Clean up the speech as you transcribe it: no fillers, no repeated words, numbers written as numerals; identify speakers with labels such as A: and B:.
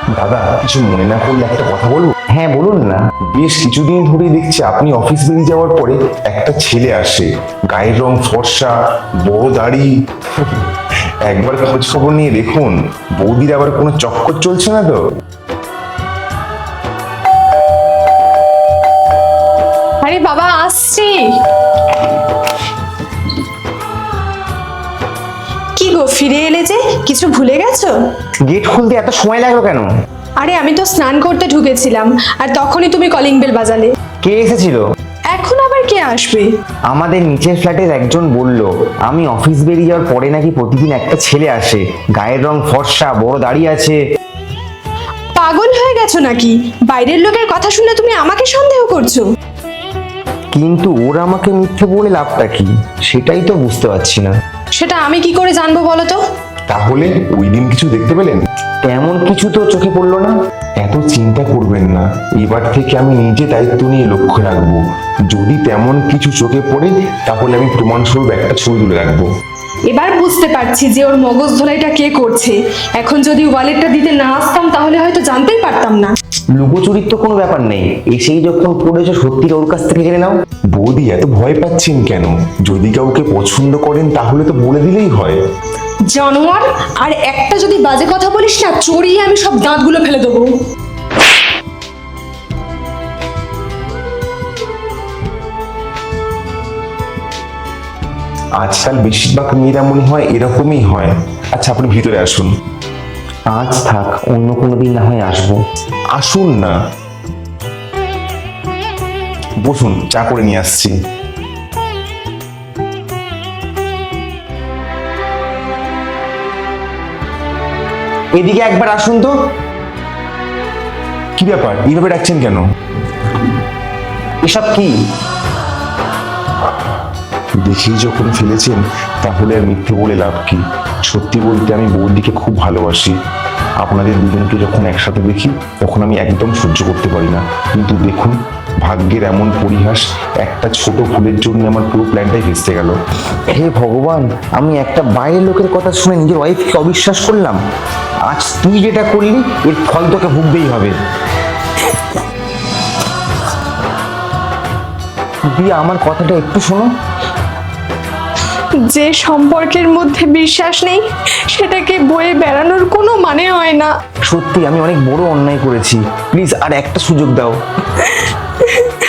A: দাদা, কিছু মনে না করলে একটা কথা বলবো?
B: হ্যাঁ বলুন না।
A: বেশ কিছুদিন ধরেই দেখছি আপনি অফিস বেরিয়ে যাওয়ার পরে একটা ছেলে আসে, গায়ের রং ফর্সা, বড় দাড়ি। একবার খোঁজ খবর নিয়ে দেখুন, বৌদির আবার কোনো চক্কর চলছে না তো?
C: আরে বাবা, আসছি। কি গো, ফিরে এলে যে? কিছু ভুলে গেছো?
B: গেট খুলতে এত সময় লাগলো কেন?
C: আরে আমি তো স্নান করতে ঢুকেছিলাম, আর তখনই তুমি কলিং বেল বাজালে।
B: কে এসেছিল?
C: এখন আবার কে আসবে?
B: আমাদের নিচের ফ্ল্যাটের একজন বলল, আমি অফিস বেরিয়ে যাওয়ার পরে নাকি প্রতিদিন একটা ছেলে আসে, গায়ের রং ফর্সা, বড় দাড়ি আছে।
C: পাগল হয়ে গেছো নাকি? বাইরের লোকের কথা শুনে তুমি আমাকে সন্দেহ করছো?
B: কিন্তু ওরা আমাকে মিথ্যে বলে লাভটা কি, সেটাই তো বুঝতে পারছি না।
C: সেটা আমি কি করে জানবো বলো তো?
A: তাহলে ওই দিন কিছু দেখতে পেলেন?
B: তেমন কিছু তো চোখে পড়লো না।
A: এত চিন্তা করবেন না, এবার থেকে আমি নিজে দায়িত্ব নিয়ে লক্ষ্য রাখবো। যদি তেমন কিছু চোখে পড়ে তাহলে আমি প্রমাণস্বরূপ একটা ছবি তুলে রাখবো।
C: এবার বুঝতে পারছি যে ওর মগজ ধোলাইটা কে করছে। এখন যদি ওয়ালেটটা দিতে না আসতাম তাহলে হয়তো জানতেই পারতাম না।
B: লুকোচুরির তো কোনো ব্যাপার নেই, এসেই যখন পড়েছো সত্যিটা ওর কাছ থেকে জেনে নাও।
A: বৌদি, এত ভয় পাচ্ছেন কেন? যদি কাউকে পছন্দ করেন তাহলে তো বলে দিলেই হয়।
C: জানোয়ার, আর একটা যদি বাজে কথা বলিস না, চড়িয়ে আমি সব দাঁতগুলো ফেলে দেবো।
A: আজকাল বেশিরভাগ মেয়েরা মনে হয় এরকমই হয়। আচ্ছা, আপনি ভিতরে আসুন।
B: আজ থাক, অন্য কোনো দিন না হয় আসবো।
A: আসুন না, বসুন, চা করে নিয়ে আসছি।
B: এদিকে একবার আসুন তো।
A: কি ব্যাপার, এইভাবে ডাকছেন কেন?
B: এসব কি?
A: দেখেই যখন ফেলেছেন তাহলে আর মিথ্যে বলে লাভ কি? সত্যি বলতে আমি বৌদিকে খুব ভালোবাসি। আপনাদের দুজনকে যখন একসাথে দেখি তখন আমি একদম সহ্য করতে পারি না। কিন্তু দেখুন, ভাগ্যের এমন পরিহাস, একটা ছোট ভুলের জন্য আমার পুরো প্ল্যানটাই ভেস্তে গেল।
B: হে ভগবান, আমি একটা বাইরের লোকের কথা শুনে নিজের ওয়াইফকে অবিশ্বাস করলাম। আজ তুই যেটা করলি, এর ফল তোকে ভুগতেই হবে। দিয়ে আমার কথাটা একটু শোনো।
C: যে সম্পর্কের মধ্যে বিশ্বাস নেই সেটাকে বয়ে বেড়ানোর কোনো মানে হয় না।
B: সত্যি আমি অনেক বড় অন্যায় করেছি, প্লিজ আর একটা সুযোগ দাও।